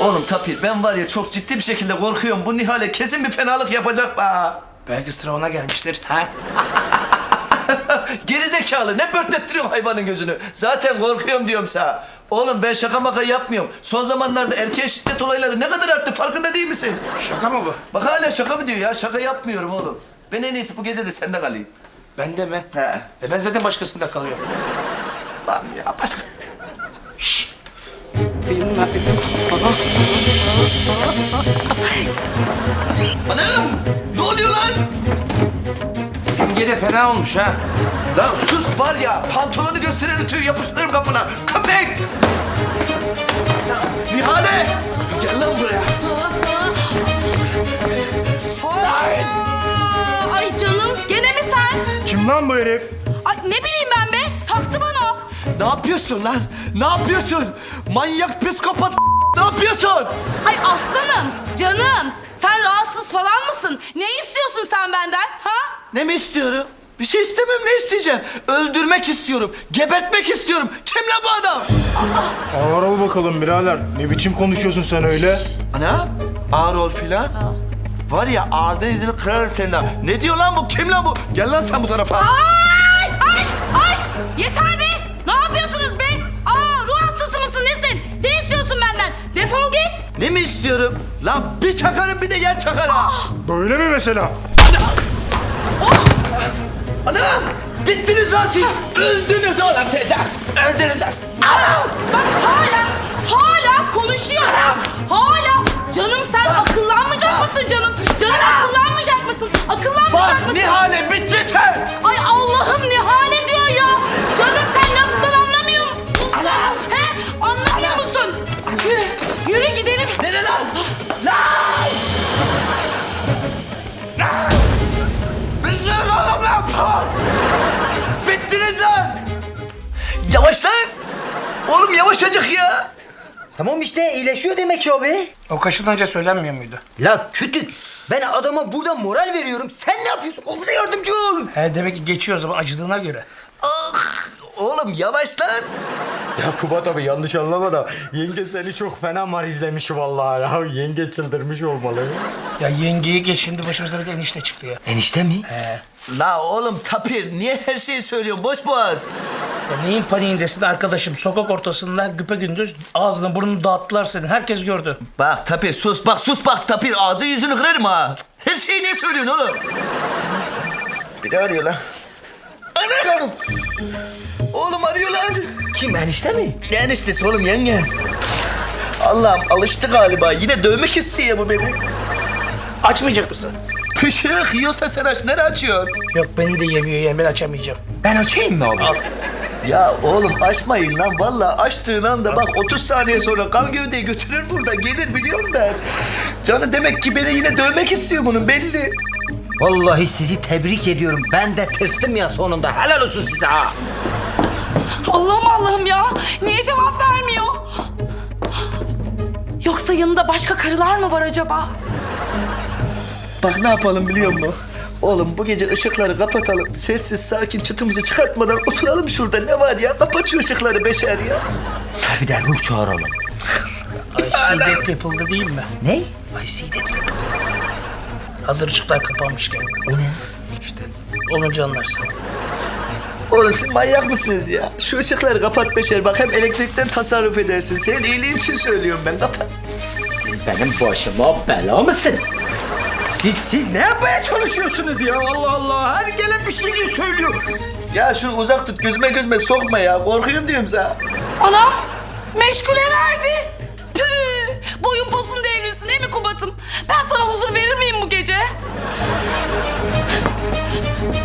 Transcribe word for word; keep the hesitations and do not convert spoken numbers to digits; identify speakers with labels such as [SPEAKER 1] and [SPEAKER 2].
[SPEAKER 1] Oğlum Tapir, ben var ya çok ciddi bir şekilde korkuyorum. Bu Nihale kesin bir fenalık yapacak be.
[SPEAKER 2] Belki sıra ona gelmiştir. Ha?
[SPEAKER 1] Gerizekalı, ne pörtlettiriyorsun hayvanın gözünü? Zaten korkuyorum diyorum sana. Oğlum ben şaka maka yapmıyorum. Son zamanlarda erkeğe şiddet olayları ne kadar arttı, farkında değil misin?
[SPEAKER 2] Şaka mı bu?
[SPEAKER 1] Bak hala şaka mı diyor ya? Şaka yapmıyorum oğlum. Ben en iyisi bu gece de sende kalayım.
[SPEAKER 2] Ben de mi?
[SPEAKER 1] He.
[SPEAKER 2] E ben zaten başkasında kalıyorum.
[SPEAKER 1] Lan ya başka... Anam! Ne oluyor lan?
[SPEAKER 2] Yenge de fena olmuş ha.
[SPEAKER 1] Lan sus var ya, pantolonu gösteren ütüyü yapıştırırım kafana. Köpek! Ya, Nihale! Gel lan buraya.
[SPEAKER 3] Aa, ay canım, gene mi sen?
[SPEAKER 4] Kim lan bu herif?
[SPEAKER 3] Ay ne bileyim ben be, taktı bana.
[SPEAKER 1] Ne yapıyorsun lan? Ne yapıyorsun? Manyak psikopat ne yapıyorsun?
[SPEAKER 3] Ay aslanım, canım. Sen rahatsız falan mısın? Ne istiyorsun sen benden, ha?
[SPEAKER 1] Ne mi istiyorum? Bir şey istemem, ne isteyeceğim? Öldürmek istiyorum, gebertmek istiyorum. Kim lan bu adam?
[SPEAKER 4] Ağır ol bakalım birader. Ne biçim konuşuyorsun sen öyle?
[SPEAKER 1] Ana, ağır ol filan. Var ya ağzını izini kırarım senin ha. Ne diyor lan bu? Kim lan bu? Gel lan sen bu tarafa.
[SPEAKER 3] Ay, ay, ay! Yeter be! Ne yapıyorsunuz be? Aa, ruh hastası mısın, nesin? Ne istiyorsun benden? Defol git!
[SPEAKER 1] Ne mi istiyorum? Lan bir çakarım bir de yer çakar ha.
[SPEAKER 4] Böyle mi mesela?
[SPEAKER 1] Anam! Bittiniz lan siz! Öldünüz oğlum siz lan! Öldünüz lan! Anam!
[SPEAKER 3] Bak hala, hala konuşuyor. Hala. Canım sen akıllanmayacak mısın canım? Canım akıllanmayacak mısın? Akıllanmayacak
[SPEAKER 1] Bak
[SPEAKER 3] mısın?
[SPEAKER 1] Nihale bitti sen!
[SPEAKER 3] Ay Allah'ım Nihale diyor ya. Canım sen laftan anlamıyor musun? He? Anlamıyor musun? Yürü, yürü gidelim.
[SPEAKER 1] Nere lan? Lan! Lan! Biz ne oğlum lan? Bittiniz lan! Yavaş lan! Oğlum yavaşacık ya!
[SPEAKER 5] Tamam işte iyileşiyor demek ki abi.
[SPEAKER 2] O kaşınınca söylenmiyor muydu?
[SPEAKER 5] La kütük. Ben adama burada moral veriyorum. Sen ne yapıyorsun? O bize yardımcı ol.
[SPEAKER 2] He demek ki geçiyor o zaman acıdığına göre.
[SPEAKER 1] Ah! Oğlum yavaş lan!
[SPEAKER 4] Ya Kubat abi yanlış anlama da yenge seni çok fena marizlemiş vallahi ya. Yenge çıldırmış olmalı.
[SPEAKER 2] Ya yengeyi geç şimdi başımıza bir de enişte çıktı ya.
[SPEAKER 5] Enişte mi?
[SPEAKER 2] He.
[SPEAKER 1] La oğlum Tapir niye her şeyi söylüyorsun boş boğaz?
[SPEAKER 2] Ya neyin paniğindesin arkadaşım? Sokak ortasında güpegündüz ağzını burnunu dağıttılar senin. Herkes gördü.
[SPEAKER 1] Bak Tapir sus bak sus bak Tapir ağzı yüzünü kırarım ha. Her şeyi niye söylüyorsun oğlum? Bir de arıyor lan. Anam! Oğlum arıyor lan.
[SPEAKER 5] Kim enişte mi?
[SPEAKER 1] Ne eniştesi oğlum yenge? Allah'ım alıştı galiba. Yine dövmek istiyor bu beni.
[SPEAKER 2] Açmayacak mısın?
[SPEAKER 1] Pışık yiyorsa sen aç. Nereye açıyorsun?
[SPEAKER 2] Yok beni de yemiyor yani ben açamayacağım.
[SPEAKER 5] Ben açayım mı abi?
[SPEAKER 2] Al.
[SPEAKER 1] Ya oğlum açmayın lan. Vallahi açtığın anda bak otuz saniye sonra kan gövdeyi götürür burada. Gelir biliyorum ben. Canı demek ki beni yine dövmek istiyor bunun belli.
[SPEAKER 5] Vallahi sizi tebrik ediyorum. Ben de tırsdım ya sonunda. Helal olsun size ha.
[SPEAKER 3] Allah'ım Allah'ım ya. Niye cevap vermiyor? Yoksa yanında başka karılar mı var acaba?
[SPEAKER 1] Bak ne yapalım biliyor musun? Oğlum bu gece ışıkları kapatalım. Sessiz sakin çıtımızı çıkartmadan oturalım şurada. Ne var ya? Kapat şu ışıkları beşer ya.
[SPEAKER 5] Bir de ruh çağıralım.
[SPEAKER 2] I see dead people'da değil mi?
[SPEAKER 5] Ne?
[SPEAKER 2] I see dead people. Hazır ışıklar kapanmışken.
[SPEAKER 5] O ne?
[SPEAKER 2] İşte olunca anlarsın.
[SPEAKER 1] Oğlum siz manyak mısınız ya? Şu ışıkları kapat beşer. Bak hem elektrikten tasarruf edersin. Senin iyiliğin için söylüyorum ben. Kapat.
[SPEAKER 5] Siz benim başıma bela mısınız? Siz siz ne yapmaya çalışıyorsunuz ya? Allah Allah. Her gelen bir şey söylüyor.
[SPEAKER 1] Ya şunu uzak tut. Gözüme gözüme sokma ya. Korkuyorum diyorum sana.
[SPEAKER 3] Anam meşgule verdi. Püh, boyun posun devrilsin değil mi Kubat'ım? Ben sana huzur verir miyim bu gece?